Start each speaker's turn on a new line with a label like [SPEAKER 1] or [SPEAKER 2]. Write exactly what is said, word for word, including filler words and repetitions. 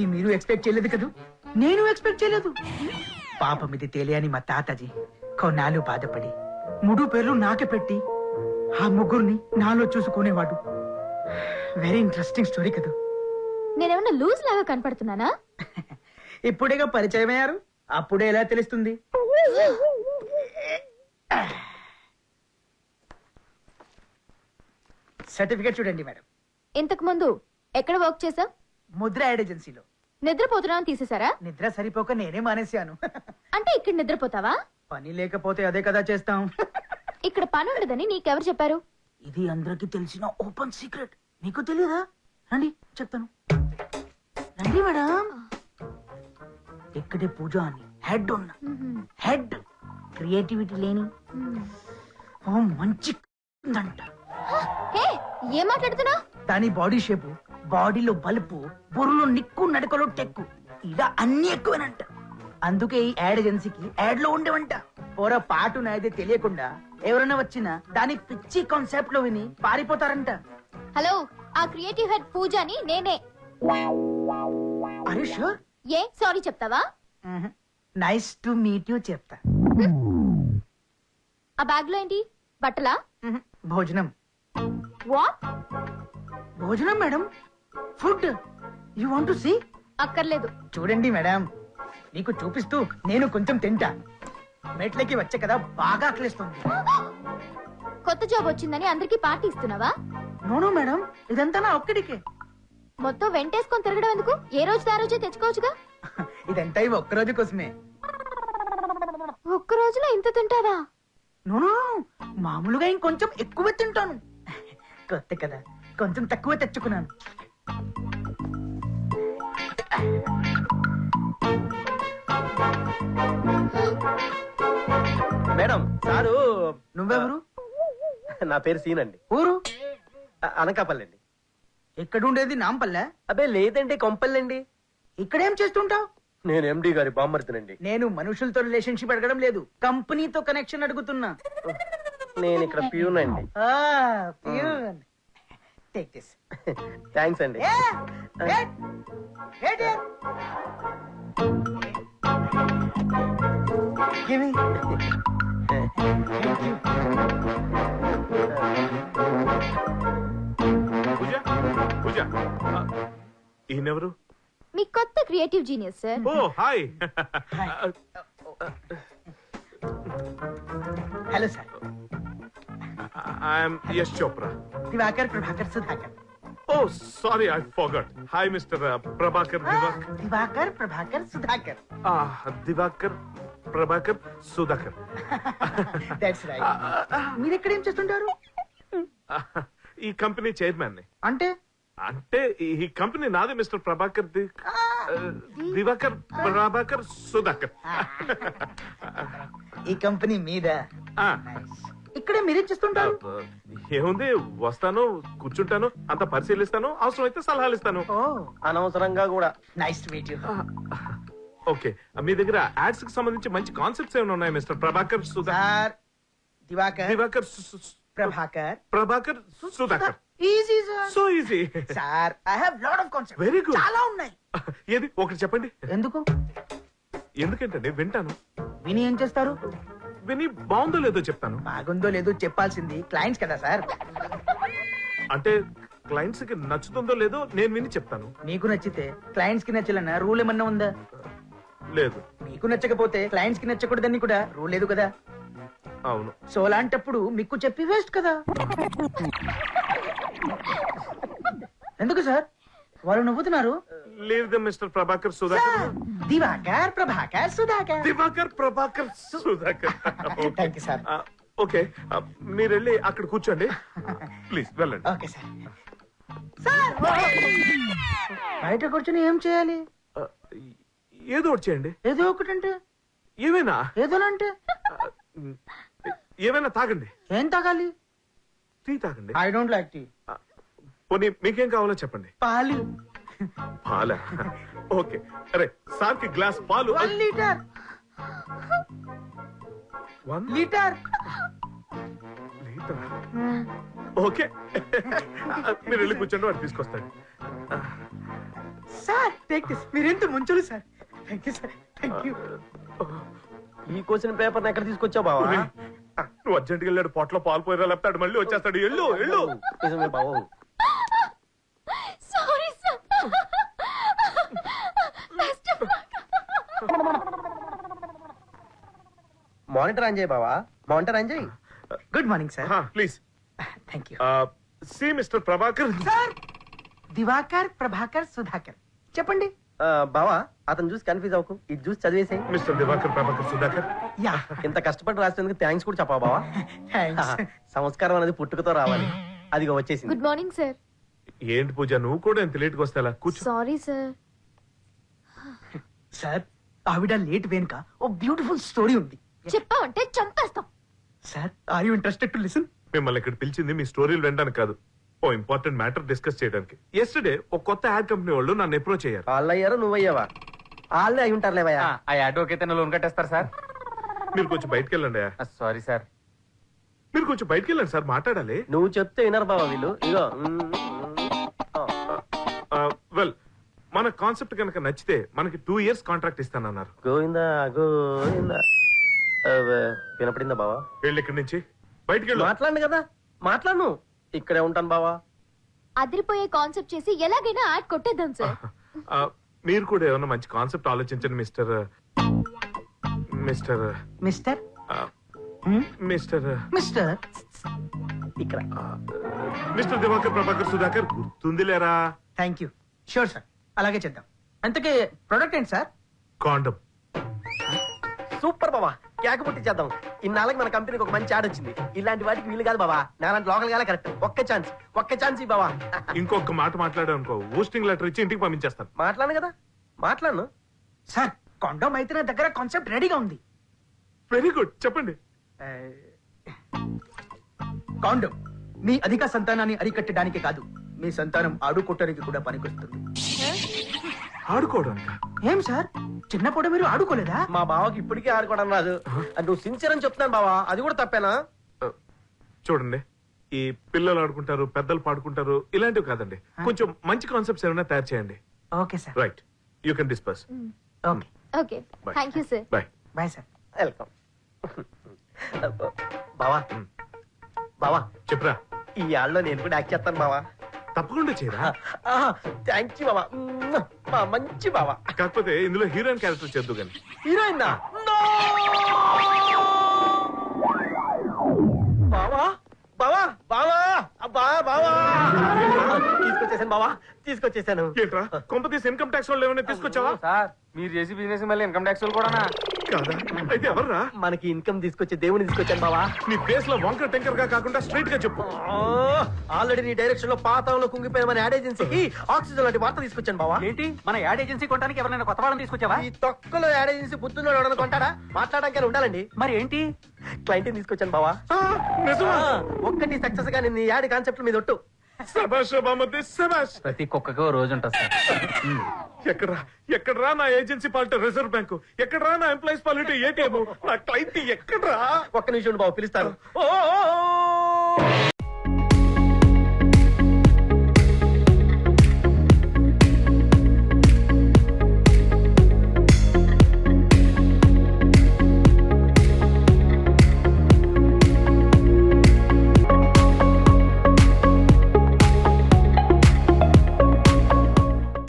[SPEAKER 1] మీరు ఎక్స్పెక్ట్ చేయలేదు కదూ, నేను ఎక్స్పెక్ట్ చేయలేదు. పాపం ఇది తెలియని మా తాతాజీ కొన్నాళ్ళు బాధపడి మూడు పేర్లు నాకే పెట్టి ఆ ముగ్గురిని నాలో చూసుకునేవాడు. వెరీ ఇంట్రెస్టింగ్ స్టోరీ కదా.
[SPEAKER 2] నేనేమన్నా లూజ్ లాగా కనపడుతున్నానా?
[SPEAKER 1] ఇప్పుడేగా పరిచయం అయ్యారు, అప్పుడే ఎలా తెలుస్తుంది? సర్టిఫికేట్ చూడండి మేడం.
[SPEAKER 2] ఇంతకు ముందు ఎక్కడ వర్క్ చేసావ్?
[SPEAKER 1] ముద్ర యాడ్ ఏజెన్సీలో.
[SPEAKER 2] నిద్రపోతున్నా తీసేసారా?
[SPEAKER 1] నిద్ర సరిపోక నేనే మానేశాను.
[SPEAKER 2] అంటే ఇక్కడ నిద్రపోతావా?
[SPEAKER 1] పని లేకపోతే అదే కదా చేస్తాం.
[SPEAKER 2] ఇక్కడ పని ఉండదని నీకెవరు చెప్పారు?
[SPEAKER 1] ఇది అందరికి తెలిసిన ఓపెన్ సీక్రెట్. నీకు తెలియదా? రండి చెప్తాను. రండి మేడం. ఇక్కడే పూజ అని హెడ్ ఉన్న హెడ్ క్రియేటివిటీ లేని ఓ మంచి అంట.
[SPEAKER 2] ఏం మాట్లాడుతున్నా?
[SPEAKER 1] దాని బాడీ షేపు, బాడీలో బలుపు, బుర్రలో నిక్కు, నడకలో టెక్కు, ఇలా అన్ని ఎక్కువనంట. అందుకే ఈ యాడ్ ఏజెన్సీకి యాడ్ లో ఉండేవంట. పోర పాటు నాయితే తెలియకుండా ఎవరైనా వచ్చినా దాని పిచ్చి కాన్సెప్ట్ లో విని పారిపోతారంట.
[SPEAKER 2] హలో, ఆ క్రియేటివ్ హెడ్ పూజని నేనే.
[SPEAKER 1] Are you sure?
[SPEAKER 2] ఏ సారీ చెప్తావా?
[SPEAKER 1] నైస్ టు మీట్ యు చెప్తా.
[SPEAKER 2] ఆ బ్యాగ్ లో ఏంటి? బట్టలా?
[SPEAKER 1] భోజనం.
[SPEAKER 2] వాట్?
[SPEAKER 1] భోజనం madam, food. You want to see?
[SPEAKER 2] అక్కర్లేదు.
[SPEAKER 1] చూడండి మేడం, నీకు చూపిస్తూ నేను కొంచెం తింటా. మెట్లకి వచ్చే కదా బాగా ఆకలిస్తుంది.
[SPEAKER 2] కొత్త జాబ్ వచ్చిందని అందరికి పార్టీ ఇస్తున్నావా?
[SPEAKER 1] నోనో మేడం, ఇదంతా నా ఒక్కడికే.
[SPEAKER 2] మొత్తం వెంటేసుకొని తిరగడం ఎందుకు? ఏ రోజు ఆ రోజే తెచ్చుకోవచ్చుగా.
[SPEAKER 1] ఇదంతా ఇవి ఒక్క రోజు కోసమే.
[SPEAKER 2] ఒక్క రోజులో ఇంత తింటావా?
[SPEAKER 1] నోనో, మామూలుగా ఇంకొంచెం ఎక్కువ తింటాను. కొత్త కదా, కొంచెం తక్కువ తెచ్చుకున్నాను.
[SPEAKER 3] Madam sir.
[SPEAKER 1] నువ్వెవరు?
[SPEAKER 3] నా పేరు సీన్ అండి.
[SPEAKER 1] ఊరు?
[SPEAKER 3] అనకాపల్లండి.
[SPEAKER 1] ఎక్కడుండేది? నాంపల్లె?
[SPEAKER 3] అబ్బే లేదండి, కొంపల్లండి.
[SPEAKER 1] ఇక్కడేం చేస్తుంటావు?
[SPEAKER 3] నేను ఎండి గారి బామ్మర్తినండి.
[SPEAKER 1] నేను మనుషులతో రిలేషన్షిప్ అడగడం లేదు, కంపెనీతో కనెక్షన్ అడుగుతున్నా.
[SPEAKER 3] నేను ఇక్కడ ప్యూన్ అండి.
[SPEAKER 1] Take this.
[SPEAKER 3] థ్యాంక్స్ అండి.
[SPEAKER 1] Give me.
[SPEAKER 4] పూజ పూజ ఈయనెవరు?
[SPEAKER 2] మీ కొత్త creative genius sir.
[SPEAKER 4] Oh hi.
[SPEAKER 1] Hello sir.
[SPEAKER 4] I'm Yash Chopra.
[SPEAKER 1] Diwakar Prabhakar Sudhakar.
[SPEAKER 4] Oh sorry, I forgot. Hi mister Prabhakar. Diwakar
[SPEAKER 1] Diwakar Prabhakar Sudhakar.
[SPEAKER 4] Diwakar Prabhakar Sudhakar.
[SPEAKER 1] That's right. మీరు ఎక్కడ ఏం చేస్తుంటారు?
[SPEAKER 4] ఈ కంపెనీ చైర్మన్ ని.
[SPEAKER 1] అంటే
[SPEAKER 4] అంటే ఈ కంపెనీ నాది మిస్టర్ ప్రభాకర్. దివాకర్ ప్రభాకర్ సుధాకర్.
[SPEAKER 1] ఈ కంపెనీ మీద. ఇక్కడే మీరేం చేస్తుంటారు?
[SPEAKER 4] ఏముంది, వస్తాను, కూర్చుంటాను, అంత పరిశీలిస్తాను, అవసరం అయితే సలహాలు ఇస్తాను.
[SPEAKER 3] అనవసరంగా కూడా.
[SPEAKER 1] Nice to meet you.
[SPEAKER 4] Okay, మీ దగ్గర యాడ్స్ కి సంబంధించి మంచి కాన్సెప్ట్స్ ఏమైనా ఉన్నాయి mister Prabhakar Sudhakar?
[SPEAKER 1] Diwakar
[SPEAKER 4] Diwakar
[SPEAKER 1] Prabhakar
[SPEAKER 4] Prabhakar Sudhakar.
[SPEAKER 1] Easy sir.
[SPEAKER 4] So easy
[SPEAKER 1] sir. I have lot of concepts.
[SPEAKER 4] Very good.
[SPEAKER 1] చాలా ఉన్నాయి.
[SPEAKER 4] ఏది ఒకటి చెప్పండి.
[SPEAKER 1] ఎందుకు?
[SPEAKER 4] ఎందుకంటే వింటాను.
[SPEAKER 1] విని ఏం చేస్తారు?
[SPEAKER 4] విని బాగుందో లేదో చెప్తాను.
[SPEAKER 1] బాగుందో లేదో చెప్పాల్సింది క్లయింట్స్ కదా సార్.
[SPEAKER 4] అంటే క్లయింట్స్ కి నచ్చుతుందో లేదో నేను విని చెప్తాను.
[SPEAKER 1] మీకు నచ్చితే క్లయింట్స్ కి నచ్చాలన్న రూల్ ఏమన్నా ఉందా?
[SPEAKER 4] లేదు.
[SPEAKER 1] మీకు నచ్చకపోతే క్లయింట్స్ కి నచ్చకూడదని కూడా రూల్ లేదు కదా.
[SPEAKER 4] అవును.
[SPEAKER 1] సో అలాంటప్పుడు మీకు చెప్పి వేస్ట్ కదా. ఎందుకు సార్ వాళ్ళు నవ్వుతున్నారు?
[SPEAKER 4] లేదు mister Prabhakar Sudhakar.
[SPEAKER 1] Diwakar Prabhakar Sudhakar.
[SPEAKER 4] Diwakar Prabhakar Sudhakar.
[SPEAKER 1] Thank you sir.
[SPEAKER 4] Okay, మీరు వెళ్ళి అక్కడ కూర్చోండి ప్లీజ్. వెళ్ళండి.
[SPEAKER 1] Okay sir. సార్ బయట కూర్చొని ఏం చేయాలి?
[SPEAKER 4] ఏదో ఒకటి చేయండి.
[SPEAKER 1] ఏదో ఒకటంటే
[SPEAKER 4] ఏమైనా?
[SPEAKER 1] ఏదోనంటే
[SPEAKER 4] ఏమైనా తాగండి.
[SPEAKER 1] ఏం తాగాలి?
[SPEAKER 4] టీ తాగండి.
[SPEAKER 1] I don't like tea.
[SPEAKER 4] పోనీ మీకేం కావాలో చెప్పండి.
[SPEAKER 1] పాలు.
[SPEAKER 4] పాలా? ఓకే. అరే సార్ కి గ్లాస్ పాలు.
[SPEAKER 1] One litre.
[SPEAKER 4] One
[SPEAKER 1] litre.
[SPEAKER 4] Litre. Okay, మీరు వెళ్ళి కూర్చోండి, వాడు తీసుకొస్తాడు.
[SPEAKER 1] Sir take this. మీరెంత ముంచులు sir. Thank you sir, thank you.
[SPEAKER 3] ఈ క్వశ్చన్ పేపర్ ఎక్కడ తీసుకొచ్చావు బావా?
[SPEAKER 4] నువ్వు అర్జెంట్గా వెళ్ళాడు పొట్లో పాలు పోయిరా లేపుతాడు మళ్ళీ వచ్చేస్తాడు. ఎల్లు ఎల్లు.
[SPEAKER 3] నిజమే బావు.
[SPEAKER 2] Sorry sir.
[SPEAKER 3] మానిటర్ ఆన్ చేయి బావా, మానిటర్ ఆన్ చేయి.
[SPEAKER 1] Good morning sir.
[SPEAKER 4] Please
[SPEAKER 1] thank you
[SPEAKER 4] see mister Prabhakar.
[SPEAKER 1] Sir. Diwakar, Prabhakar, Sudhakar. చెప్పండి.
[SPEAKER 3] ఆ, బావా అతను చూసి కన్ఫ్యూజ్ అవ్వకు, ఇది చూసి చదివేసాయి.
[SPEAKER 4] మిస్టర్ దివాకర్ ప్రభాకర్ సుధాకర్.
[SPEAKER 1] యా.
[SPEAKER 3] ఇంత కష్టపడి రాసినందుకు థ్యాంక్స్ కూడా చెప్పా బావా.
[SPEAKER 1] థ్యాంక్స్.
[SPEAKER 3] సంస్కారం అనేది పుట్టుకతో రావాలి, అదిగో వచ్చేసింది.
[SPEAKER 2] Good morning sir.
[SPEAKER 4] ఏంటి పూజ నువ్వు కూడా ఎంత లేట్గా వస్తా కూర్చో.
[SPEAKER 2] Sorry sir.
[SPEAKER 1] సార్, ఆవిడ లేట్ వెనుక ఓ బ్యూటిఫుల్ స్టోరీ ఉంది.
[SPEAKER 2] చెప్పావంటే చంపేస్తాం.
[SPEAKER 1] Sir, are you interested to listen?
[SPEAKER 4] మిమ్మల్ని ఇక్కడ పిలిచింది మీ స్టోరీలు వినడానికి కాదు, ఓ ఇంపార్టెంట్ మ్యాటర్ డిస్కస్ చేయడానికి. ఎస్టర్డే ఒక కొత్త యాడ్ కంపెనీ వాళ్ళు నన్ను అప్రోచ్ అయ్యారు.
[SPEAKER 3] వాళ్ళు అయ్యారు, నువ్వు అయ్యావా? వాళ్ళే అయి ఉంటారు లేవయ్యా.
[SPEAKER 5] ఆ ఆటోకి అయితే లోన్ కట్టేస్తారు సార్.
[SPEAKER 4] మీరు కొంచెం బయటకు వెళ్ళండి.
[SPEAKER 5] Sorry sir.
[SPEAKER 4] మీరు కొంచెం బయటకు వెళ్ళండి సార్, మాట్లాడాలి.
[SPEAKER 3] నువ్వు చెప్తే వినరు బావా వీళ్ళు. ఇగో
[SPEAKER 4] వెల్, మన కాన్సెప్ట్ కనుక నచ్చితే మనకి టూ ఇయర్స్ కాంట్రాక్ట్ ఇస్తానన్నారు.
[SPEAKER 3] గోవిందా గోవిందా. అవ్వ, వినపడిందా బావా?
[SPEAKER 4] వెళ్ళి ఇక్కడి నుంచి బయటికి వెళ్ళు.
[SPEAKER 3] మాట్లాడు కదా, మాట్లాడు. ఇక్కడే ఉంటాను బావా.
[SPEAKER 2] అదిరిపోయే కాన్సెప్ట్ చేసి ఎలాగైనా యాడ్ కొట్టేద్దాం సార్.
[SPEAKER 4] ఆ, మీరు కూడా ఏమన్నా మంచి కాన్సెప్ట్ ఆలోచించండి మిస్టర్ మిస్టర్
[SPEAKER 1] మిస్టర్
[SPEAKER 4] ఆ, మిస్టర్
[SPEAKER 1] మిస్టర్
[SPEAKER 3] ఇక్కడ
[SPEAKER 4] మిస్టర్ దివాకర్ ప్రభాకర్ సుధాకర్ గుర్తుందిలేరా?
[SPEAKER 1] Thank you. షూర్ సార్, అలాగే చేద్దాం. అంతకే ప్రొడక్ట్ ఏంటి సార్?
[SPEAKER 4] కాండం.
[SPEAKER 3] సూపర్ బావా, కేక పుట్టి చేద్దాం. ఇన్నాళ్ళకి మన కంపెనీకి ఒక మంచి యాడ్ వచ్చింది. ఇలాంటి వాటికి వీలు కాదు బావా, నాలాంటి లోకల్ గాలే కరెక్ట్. ఒక్క ఛాన్స్, ఒక్క ఛాన్స్ ఈ బావా.
[SPEAKER 4] ఇంకొక మాట మాట్లాడావు అనుకో, ఊస్టింగ్ లెటర్ ఇచ్చి ఇంటికి పంపించేస్తాను.
[SPEAKER 3] మాట్లాడు కదా, మాట్లాడు.
[SPEAKER 1] సార్, కాండోమ్ అయితే నా దగ్గర కాన్సెప్ట్ రెడీగా ఉంది.
[SPEAKER 4] వెరీ గుడ్, చెప్పండి.
[SPEAKER 1] కాండోమ్ మీ అధిక సంతానాన్ని అరికట్టడానికి కాదు, మీ సంతానం ఆడుకోవటానికి కూడా పనికొస్తుంది.
[SPEAKER 4] ఆడుకోవడానికి?
[SPEAKER 1] ఏం సార్, చిన్నప్పుడు మీరు ఆడుకోలేదా?
[SPEAKER 3] మా బావకి ఇప్పటికీ ఆడుకోవడం రాదు. అది నువ్వు సిన్సియర్ అని చెప్తున్నాను బావా, అది కూడా తప్పేనా?
[SPEAKER 4] ఆ, చూడండి, ఈ పిల్లలు ఆడుకుంటారు, పెద్దలు పాడుకుంటారు, ఇలాంటివి కాదండి. కొంచెం మంచి కాన్సెప్ట్స్ ఏమైనా తయారు చేయండి.
[SPEAKER 1] Okay sir.
[SPEAKER 4] Right, you can disperse.
[SPEAKER 1] Okay,
[SPEAKER 2] okay, thank you sir.
[SPEAKER 4] Bye.
[SPEAKER 1] Bye sir.
[SPEAKER 3] Welcome. బావా బావా,
[SPEAKER 4] చెప్పరా.
[SPEAKER 3] ఈ యాడ్లో నేను కూడా యాక్ట్ చేస్తాను బావా.
[SPEAKER 4] తప్పకుండా చేయరా.
[SPEAKER 3] థ్యాంక్ యూ బావా. మా మంచి బావా.
[SPEAKER 4] కాకపోతే ఇందులో హీరోయిన్ క్యారెక్టర్ చేద్దు కానీ.
[SPEAKER 3] హీరోయిన్ బావా బావా బావా అబ్బా బావా, తీసుకొచ్చేసాను బావా, తీసుకొచ్చేసాను.
[SPEAKER 4] ఏంట్రా, కొంప తీసి ఇన్కమ్ ట్యాక్స్ వాళ్ళు ఏమైనా తీసుకొచ్చావా?
[SPEAKER 5] సార్ మీరు చేసి బిజినెస్ మళ్ళీ ఇన్కమ్ ట్యాక్స్ కూడా
[SPEAKER 4] కాదా? అయితే ఎవర్రా?
[SPEAKER 3] మనకి ఇన్కమ్ తీసుకొచ్చే దేవుని తీసుకొచ్చాను బావా.
[SPEAKER 4] నీ ఫేస్ లో వంకర టెంకర్ గా కాకుండా స్ట్రైట్ గా చెప్పు.
[SPEAKER 3] ఆల్రెడీ నీ డైరెక్షన్ లో పాతంలో కుంగిపోయిన మన యాడ్ ఏజెన్సీకి ఆక్సిజన్ లాంటి వార్త తీసుకొచ్చాను బావా.
[SPEAKER 5] ఏంటి మన యాడ్ ఏజెన్సీ కొట్టడానికి ఎవరైనా కొత్త వాళ్ళని తీసుకొచ్చావా?
[SPEAKER 3] ఈ తొక్కలో యాడ్ ఏజెన్సీ బుద్ధున్నాడు ఎవడన్నా కొంటాడా? మాట్లాడడానికి ఉండాలండి.
[SPEAKER 5] మరి ఏంటి?
[SPEAKER 3] క్లయింట్ తీసుకొచ్చాను బావా.
[SPEAKER 4] ఆ, నిజమా?
[SPEAKER 3] ఆ, ఒక్కటి సక్సెస్ గా నేను ఈ యాడ్ కాన్సెప్ట్ మీద ఒట్టు.
[SPEAKER 4] శభాష్ బామ్మర్ది, శభాష్.
[SPEAKER 5] ప్రతి కుక్కకి ఓ రోజు ఉంటుంది సార్.
[SPEAKER 4] ఎక్కడ్రా ఎక్కడ్రా నా ఏజెన్సీ పాలిటీ రిజర్వ్ బ్యాంకు? ఎక్కడ్రా నా ఎంప్లాయీస్ పాలిటీ ఏటీఎం? నా క్లయింట్ ఎక్కడ్రా?
[SPEAKER 3] ఒక్క నిమిషం ఉండు బావ, పిలుస్తాను. ఓ, ఓ, ఓ.